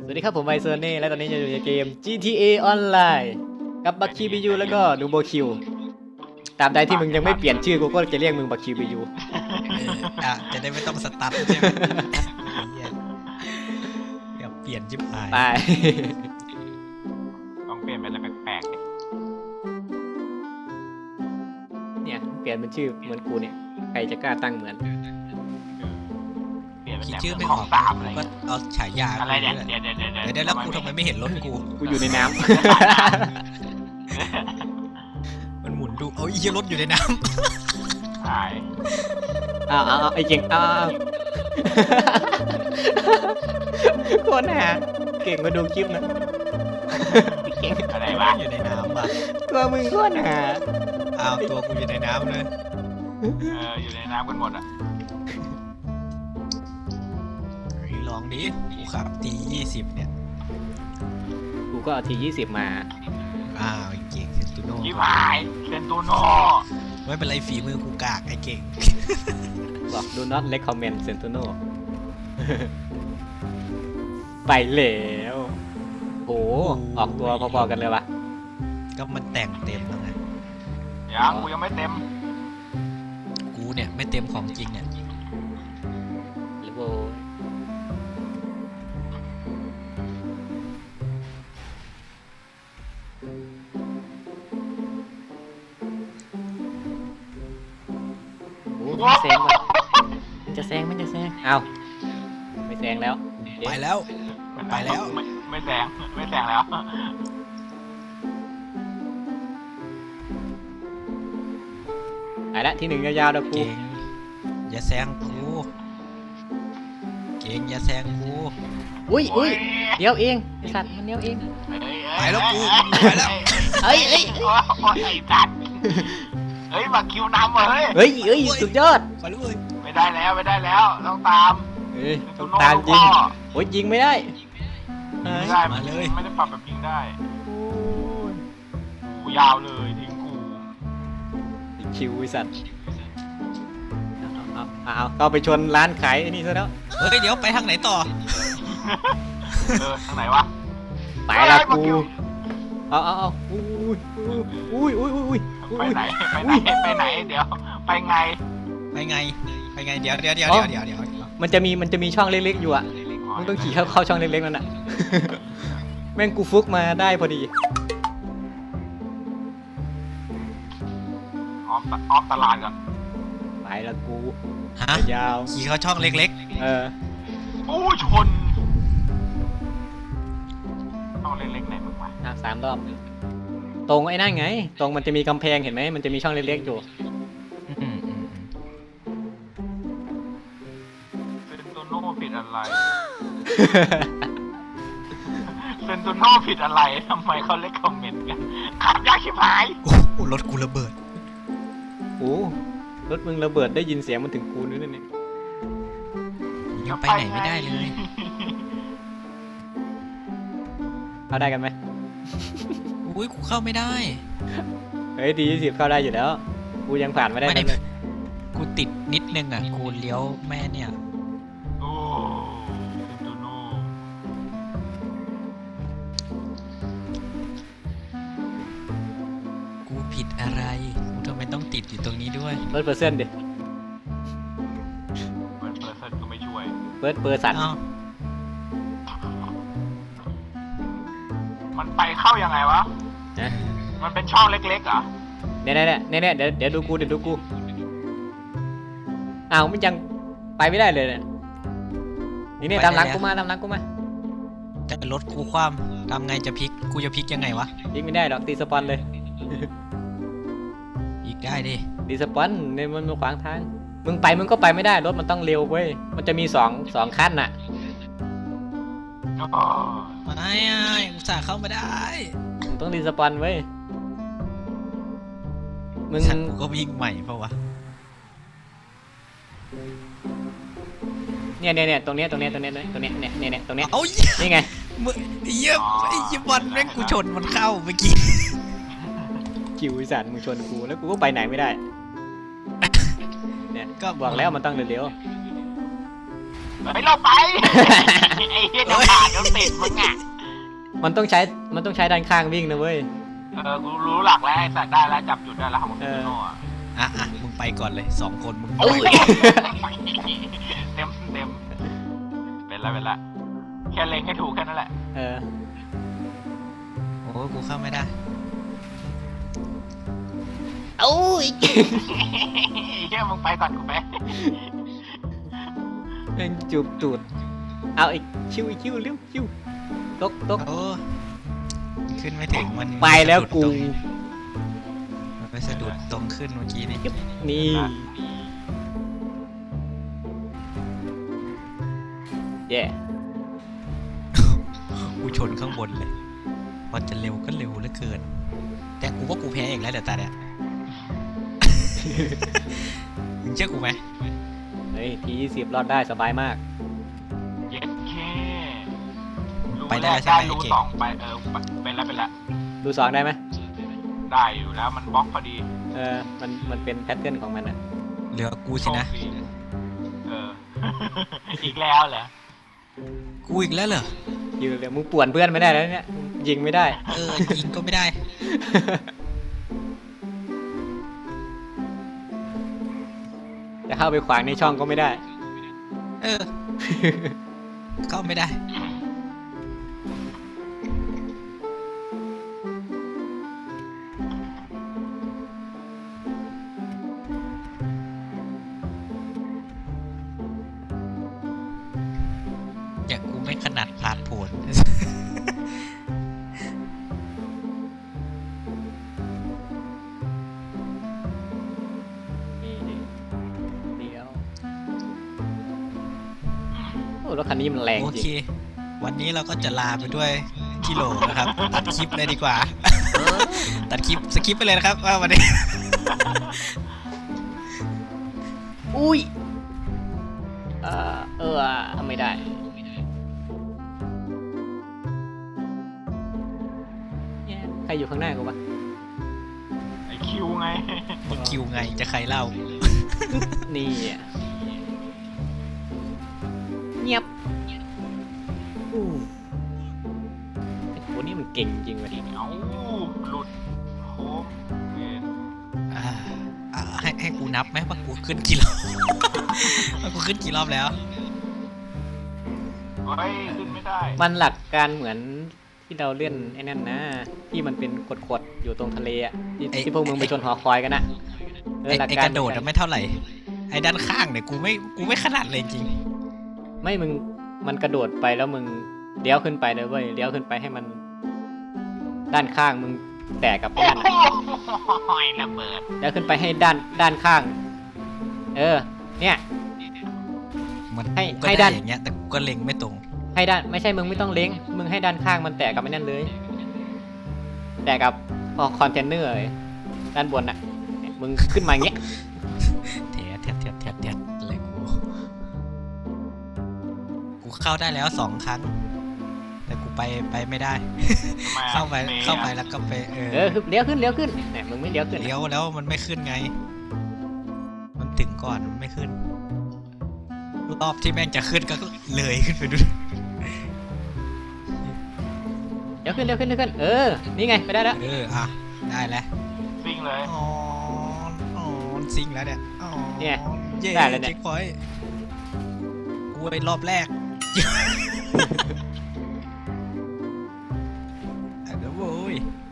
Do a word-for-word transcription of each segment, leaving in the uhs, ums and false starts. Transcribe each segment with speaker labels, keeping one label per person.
Speaker 1: วัสดีครับผมไวเซอร์เน่และตอนนี้จะอยู่ในเกม จี ที เอ Online กับบัคคิวบิยูแล้วก็นูโบคิวตามใดที่มึงยังไม่เปลี่ยนชื่อกูก็จะเรียกมึงบัคคิวบิยู
Speaker 2: อ่ะจะได้ไม่ต้องสตาร์ทใช่ไหมอย่าเปลี่ยนจิบหาย
Speaker 1: ไป
Speaker 3: ต้องเปลี่ยนเป็นอะไรแปลกๆดิ
Speaker 1: เนี่ยเปลี่ยนเป็นชื่อเหมือนกูเนี่ยใครจะกล้าตั้งเหมือน
Speaker 3: เปลี่ยนเป็น
Speaker 2: คิด
Speaker 3: แบบ
Speaker 2: ชื่อไม่
Speaker 3: ข
Speaker 2: อ
Speaker 3: อ
Speaker 2: อง ก
Speaker 3: ตามอะไร
Speaker 2: ก็
Speaker 3: เงี้ย
Speaker 2: เอาฉายา
Speaker 3: อะไรเนี่ย
Speaker 2: กู
Speaker 3: เดี๋ยวเดี๋ยวเดี๋ยว
Speaker 2: เดี๋ยวเดี๋ยวแล้วกูทำไมไม่เห็นรถกู
Speaker 1: กูอยู่ในน้
Speaker 2: มันหมุนดูเอาอีรถอยู่ในน้
Speaker 3: หาย
Speaker 1: ำอ้าวอ้าวไอ้เก่งอ้าวคนหาเก่งมาดูคลิปนะเก่ง
Speaker 3: อะไรวะ
Speaker 2: ำอยู่ในน้ำป่ะ
Speaker 1: ตัวมึงคนหา
Speaker 2: อ้าวตัวกูอยู่ในน้ำเลย
Speaker 3: เอออยู่ในน้ำกันหมดอ่ะ
Speaker 2: เฮ้ยลองดิกูขับตียี่สิบเนี่ย
Speaker 1: กูก็เอาทียี่สิบมา
Speaker 2: อ้าวไอ้เก่งเซนตูโน่
Speaker 3: ยิบหายเซนตูโน่
Speaker 2: ไม่เป็นไรฝีมือกูกากไอ้เก่ง
Speaker 1: บอก do not recommend Sentinel ไปแล้วโอ้ออกตัวพอๆกันเลยวะ
Speaker 2: ก็มันแต่งเต็มแล้วไง
Speaker 3: ยังกูยังไม่เต็ม
Speaker 2: กูเนี่ยไม่เต็มของจริงเนี่ย
Speaker 1: หรือโบโอ้มันแซงว่ะมันจะแซงมันจะแซงเอาไม่แซงแล้ว
Speaker 2: ไปแล้ว ไปแล้ว
Speaker 3: ไม่ไม่แซงไม่แซงแล้ว
Speaker 1: ไปละที่หนึ่งยาวๆแล้วกู
Speaker 2: เก่งอย่าแซงกูเก่งอย่าแซงกู
Speaker 1: อุ้ยอุ้ยเดี๋ยวเองไอสัตว์มันเดี๋ยวเอง
Speaker 2: ไปแล้วกูไปแล้ว
Speaker 1: เฮ้ยเฮ้ย
Speaker 3: โอ้ยไอ้สัตว์เฮ้ยมาคิวนำว่ะเฮ้ย
Speaker 1: เฮ้ยเฮ้ยสุดยอด
Speaker 2: ไปเลย
Speaker 3: ไม่ได้แล้วไม่ได้แล้วต้องตาม
Speaker 1: เฮ้ย
Speaker 3: เซ
Speaker 1: ต้อน ง
Speaker 3: ตูโน่
Speaker 1: ตามจริง
Speaker 3: พ่อ
Speaker 1: โอ้ยยิงไม่ได้
Speaker 3: ยิงไม่ได้ไม่ได้ปรับแบบยิงได้
Speaker 1: โอ้ย
Speaker 3: กูยาวเลยทิ้งกู
Speaker 1: คิวไอสัตว์เอาเอาเอาเอาเข้าไปชนร้านขายไอ้นี่ซะแล้ว
Speaker 2: เฮ้ยเดี๋ยวไปทางไหนต่อ
Speaker 3: เออทางไหนวะ
Speaker 1: ไปละกูเอาเอาเอาอุ้ยอุ้ยอุ้ยอุ้ยอุ้ย
Speaker 3: ไปไหนไปไหนไปไหนเดี๋ยวไปไง
Speaker 2: ไปไงไปไงเดี๋ยวเดี๋ยวเดี๋ยวเดี๋ยวเดี๋ยวเดี๋ยว
Speaker 1: มันจะมีมันจะมีช่องเล็กๆอยู่อ่ะมึงต้องขี่เข้าเข้าช่องเล็กๆนั่นน่ะ แม่งกูฟุกมาได้พอดี
Speaker 3: ออฟออฟตลาดก่อน
Speaker 1: ไปละกู
Speaker 2: ฮะ
Speaker 1: ยาว
Speaker 2: ขี่เข้าช่องเล็ก
Speaker 1: เออ
Speaker 3: อู้ชนต้องเล็กๆไหนมึงวะ
Speaker 1: อ่ะสามรอบตรงไอ้นั่นไง ตรงมันจะมีกำแพงเห็นไหมมันจะมีช่องเล็กๆอยู่
Speaker 2: ๆอืมอืมอืม
Speaker 3: เซนโตโน่ผิดอะไรเซนโตโน่ผิดอะไรทำไมเขาเล็กคอมเมนต์กันขับยากชิบหาย
Speaker 2: โอ้โหรถกูระเบิด
Speaker 1: โอ้รถมึงระเบิดได้ยินเสียงมันถึงกูนู่นนี่
Speaker 2: ยังไปไหนไม่ได้เลย
Speaker 1: เข้าได้กันไหม
Speaker 2: อุ้ยกูเข้าไม่ได้
Speaker 1: เฮ้ยดียี่สิบเข้าได้อยู่แล้ว กูยังผ่านไม่ได้
Speaker 2: ไม่ได้
Speaker 1: เลย
Speaker 2: กูติดนิดนึงอ่ะกูเลี้ยวแม่เนี่ย
Speaker 3: โอ้เซนโตโน่
Speaker 2: กูผิดอะไรกูทำไมต้องติดอยู่ตรงนี้ด้วย
Speaker 1: เปิดเปอร์เซ็นต์ดิ
Speaker 3: เปิดเปิดเซนก็ไม่ช่วย
Speaker 1: เปิดเปอร์สัน
Speaker 2: เอ้า
Speaker 3: มันไปเข้ายังไงวะ
Speaker 1: นะ
Speaker 3: มันเป็นช่องเล็กๆเหรอ
Speaker 1: เนี่ยเนี่ยเนี่ยเนี่ยเดี๋ยวเดี๋ยวดูกูเดี๋ยวดูกูอ้าวมันยังไปไม่ได้เลยเนี่ยนี่เนี่ยตามหลังกูมาตามหลังกูมา
Speaker 2: แต่รถกูคว่ำทำไงจะพลิกกูจะพลิกยังไงวะ
Speaker 1: ยิงไม่ได้หรอกตีสปอนเลย
Speaker 2: อีกได้ดิ
Speaker 1: ตีสปอนเนี่ยมันมาขวางทางมึงไปมึงก็ไปไม่ได้รถมันต้องเร็วเว้ยมันจะมีสองสองขั้นน่ะ
Speaker 3: อ๋อ
Speaker 2: ไม่อ่ะอุตส่าห์เข้ามาได้
Speaker 1: มึงต้องตีสปอนเว้ยมึง
Speaker 2: ฉันกูก็วิ่งใหม่เพราะวะ
Speaker 1: เนี่ยเนี่ยเนี่ยตรงเนี้ยตรงเนี้ยตรงเนี้ยตรงเนี้ยเนี่ยเนี่ยเนี่ยตรงเนี้ย
Speaker 2: เอ้า
Speaker 1: นี่ไง
Speaker 2: มึงเยี่ยมไอ้ยี่บอลแม่งกูชนมันเข้าเมื่อกี้
Speaker 1: คิวอีสันมึงชนกูแล้วกูก็ไปไหนไม่ได้ เนี่ยก็บอกแล้วมันต้องเร็ว
Speaker 3: เฮ้ยเราไป ไอ้เหี้ยจะผ่านจะติดมึงอ่ะ
Speaker 1: มันต้องใช้ มันต้องใช้ด้านข้างวิ่งนะเว้ย
Speaker 3: เออ กูรู้หลักแล้วไอ้สัตว์ได้แล้วจับจุดได้แล้วของมึงโน่อะ
Speaker 2: อ่ะอ่ะมึงไปก่อนเลยสองคนมึง
Speaker 1: เอ้ย
Speaker 3: เต็มเต็มเป็นละเป็นละแค่เล็งให้ถูกแค่นั้นแหละ
Speaker 1: เออ
Speaker 2: โอ้กูเข้าไม่ได้
Speaker 1: เอ้ย
Speaker 3: แค่มึงไปก่อนกูไป
Speaker 1: แม่งจูบตูด เอาอีกคิวอีกคิวเร็วคิวตกตก
Speaker 2: โอ้ขึ้นไม่ถึงมัน
Speaker 1: ไปแล้วกู
Speaker 2: มันไปสะดุดตรงขึ้นเมื่อกี้นี่
Speaker 1: นี่ เย่
Speaker 2: กูชนข้างบนเลยพอจะเร็วก็เร็วเหลือเกิน แต่กูว่ากูแพ้เองแล้วเดี๋ยวตาเนี่ย มึงเชื่อกูไหม
Speaker 1: เฮ้ยทียี่สิบรอดได้สบายมาก
Speaker 3: เย็ดแค่
Speaker 2: ไปได้แล้วใช่ไหม
Speaker 3: รู้
Speaker 2: ไอ้เก่ง
Speaker 3: สองไปเออเป็นแล้วเป็นแล้ว
Speaker 1: ดูสองได้ไหม
Speaker 3: ได้อยู่แล้วมันบล็อกพอดี
Speaker 1: เออ มัน มันเป็นแพทเทิร์นของมันอะ
Speaker 2: เหลือกูสินะ
Speaker 3: โชคดีเออ อีกแล้วเหรอ
Speaker 2: กูอีกแล้วเหรอ
Speaker 1: อยู่เดี๋ยวมึงป่วนเพื่อนไม่ได้แล้วเนี่ย ยิงไม่ได้
Speaker 2: เออยิงก็ไม่ได้
Speaker 1: จะเข้าไปขวางในช่องก็ไม่ได้
Speaker 2: เออ เข้าไม่ได้ อย่ากูไม่ขนาดผ่านผล
Speaker 1: นี่นี่เดี๋ยว โอ้รถคันนี้มันแรง
Speaker 2: โอ
Speaker 1: จริ
Speaker 2: เค
Speaker 1: ง
Speaker 2: วันนี้เราก็จะลาไปด้วยกิโลนะครับ ตัดคลิปเลยดีกว่า ตัดคลิปสคริปไปเลยนะครับว่าวันนี้
Speaker 1: อุ้ย เออเออไม่ได้ เนี่ยใครอยู่ข้างหน้ากูปะ
Speaker 3: ไอคิวไง
Speaker 2: มึงคิวไงจะใครเล่า
Speaker 1: นี่อะเงียบอู้ไอ้คนนี้มันเก่งจริงเว้ย
Speaker 3: เอ้าหลุดโค้งเวน
Speaker 2: อ่าอ่าให้ให้กูนับไหมว่ากูขึ้นกี่รอบ ว่ากูขึ้นกี่รอบแล้ว
Speaker 3: เฮ้ยขึ้นไม่ได้
Speaker 1: มันหลักการเหมือนที่เราเล่นไอ้นั่นนะ ที่มันเป็นขดๆอยู่ตรงทะเลอ่ะที่
Speaker 2: ไอ้
Speaker 1: ที่พวกมึงไปชนหอคอยกันนะเออ
Speaker 2: ไอ้
Speaker 1: หลัก
Speaker 2: ไอ้
Speaker 1: การ
Speaker 2: กระโดดอะไม่เท่าไหร่ ไอ้ด้านข้างเนี่ยกูไม่กูไม่ขนาดเลยจริง
Speaker 1: ไม่มึงมันกระโดดไปแล้วมึงเลี้ยวขึ้นไปเลยเว้ยเลี้ยวขึ้นไปให้มัน ด้านข้างมึงแตกกับไอ้
Speaker 3: โอ้
Speaker 1: นั่นน่ะ
Speaker 3: โหระเบิด
Speaker 1: แล้วขึ้นไปให้ด้านด้านข้าง เออ เนี่ย
Speaker 2: มัน
Speaker 1: ให้
Speaker 2: กูก็
Speaker 1: ให้
Speaker 2: ได้
Speaker 1: ด้าน
Speaker 2: อย่างเงี้ยแต่กูก็เล็งไม่ตรง
Speaker 1: ให้ด้านไม่ใช่มึงไม่ต้องเล้งมึงให้ด้านข้างมันแตกกับไอ้นั่นเลย แตกกับพอคอนเทนเนอร์เลยด้านบนน่ะเนี่ยมึงขึ้นมาอย่างเงี้ย
Speaker 2: เทียดเทียดเทียดเทียดเทียดอะไรกู กูเข้าได้แล้วสองครั้ง แต่กูไปไปไม่ได้
Speaker 3: ทำไมอะ
Speaker 2: เข้าไป
Speaker 3: มย์อะ
Speaker 2: เข้าไปแล้วก็ไปเออ
Speaker 1: เออคือเลี้ยวขึ้นเลี้ยวขึ้นเนี่ยมึงไม่เลี้ยวขึ้น
Speaker 2: เลี้ยวแล้วมันไม่ขึ้นไง มันถึงก่อนมันไม่ขึ้น รอบที่แม่งจะขึ้นก็เลยขึ้นไปด้วย
Speaker 1: เลี้ยวขึ้นเลี้ยวขึ้นเลี้ยวขึ้นเออนี่ไงไปได้แล้ว
Speaker 2: เอออ่ะได้แล้ว
Speaker 3: ซิ่งเลย
Speaker 2: อ๋ออ๋อซิงแล้วเนี่ยอ๋อ
Speaker 1: เนี่ย
Speaker 2: เย้
Speaker 1: ได้แล้วเนี่ย
Speaker 2: เช็คพอยต์กูไปรอบแรก อ่ะเดี๋ยวโว้ย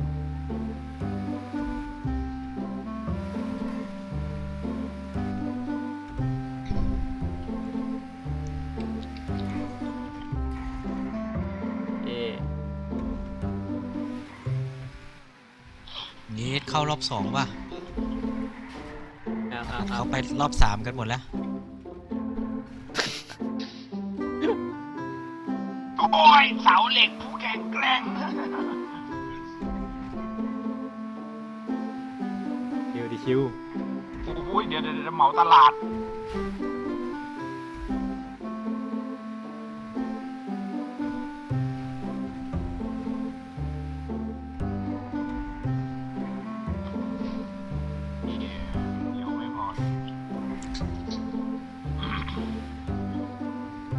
Speaker 1: เออ
Speaker 2: นี่เข้ารอบสองว่ะ
Speaker 1: เอาเอาเอา
Speaker 2: เขาไปรอบสามกันหมดแล้ว
Speaker 3: โอ้ยเสาเหล็กผู้แข็งแกร่ง
Speaker 1: คิวดิคิว
Speaker 3: โอ้ยเดี๋ยวเดี๋ยวเดี๋ยวเหมาตลาด เดี๋ยวไม่พอ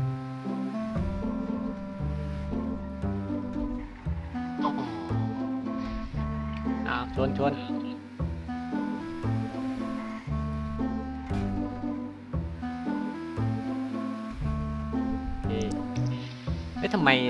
Speaker 1: ชนชนเอ๊ะเอ๊ะทำไม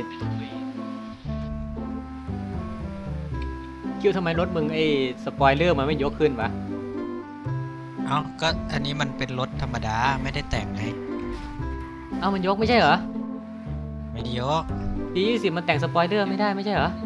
Speaker 1: คิวทำไมรถมึงไอ้สปอยเลอร์มันไม่ยกขึ้นวะ
Speaker 2: เอ้าก็อันนี้มันเป็นรถธรรมดาไม่ได้แต่งไง
Speaker 1: เอ้ามันยกไม่ใช่เหรอ
Speaker 2: ไม่ได้ยก
Speaker 1: ทียี่สิบมันแต่งสปอยเลอร์ไม่ได้ไม่ใช่เหรอ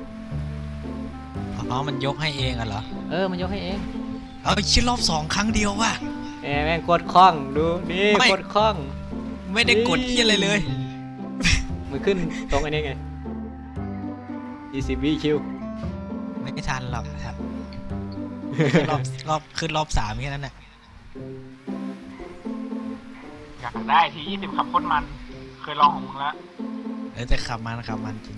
Speaker 2: อ๋อมันยกให้เองอะเหรอ
Speaker 1: เออมันยกให้เอง
Speaker 2: เอาชิ้นรอบสองครั้งเดียวว่ะ
Speaker 1: แหมแม่งโคตรคล่องดูนี่
Speaker 2: ไม่
Speaker 1: โคตรคล่อง
Speaker 2: ไม่ได้กดที่อะไรเลย
Speaker 1: มือขึ้นตรงอันนี้ไงยี่สิบวิคิว
Speaker 2: ไม่ทันหรอกครับ รอบรอบขึ้นรอบสามแค่นั้นแหละ
Speaker 3: อยากได้ทียี่สิบขับโคตรมัน เคยลองของมึงแล้ว
Speaker 2: เออแต่ขับมันขับมันจริง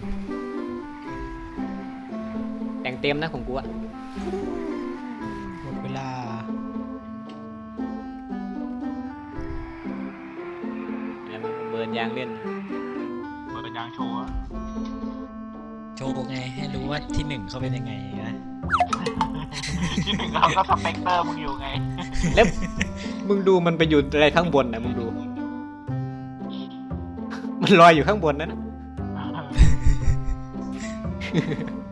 Speaker 1: แต่งเต็มนะของกูอะ
Speaker 2: หมดเวลา
Speaker 1: แหมมันเบิร์นยางเล่น
Speaker 3: เปิดยางโชว์อะ
Speaker 2: โชว์ไงให้รู้ว่าที่หนึ่งเขาเป็นยังไงนะ
Speaker 3: ที่หนึ่งเราก็สเปกเตอร์มึงอยู่ไง
Speaker 1: แล้วมึงดูมันไปอยู่อะไรข้างบนนะมึงดู มันลอยอยู่ข้างบนนั่นนะ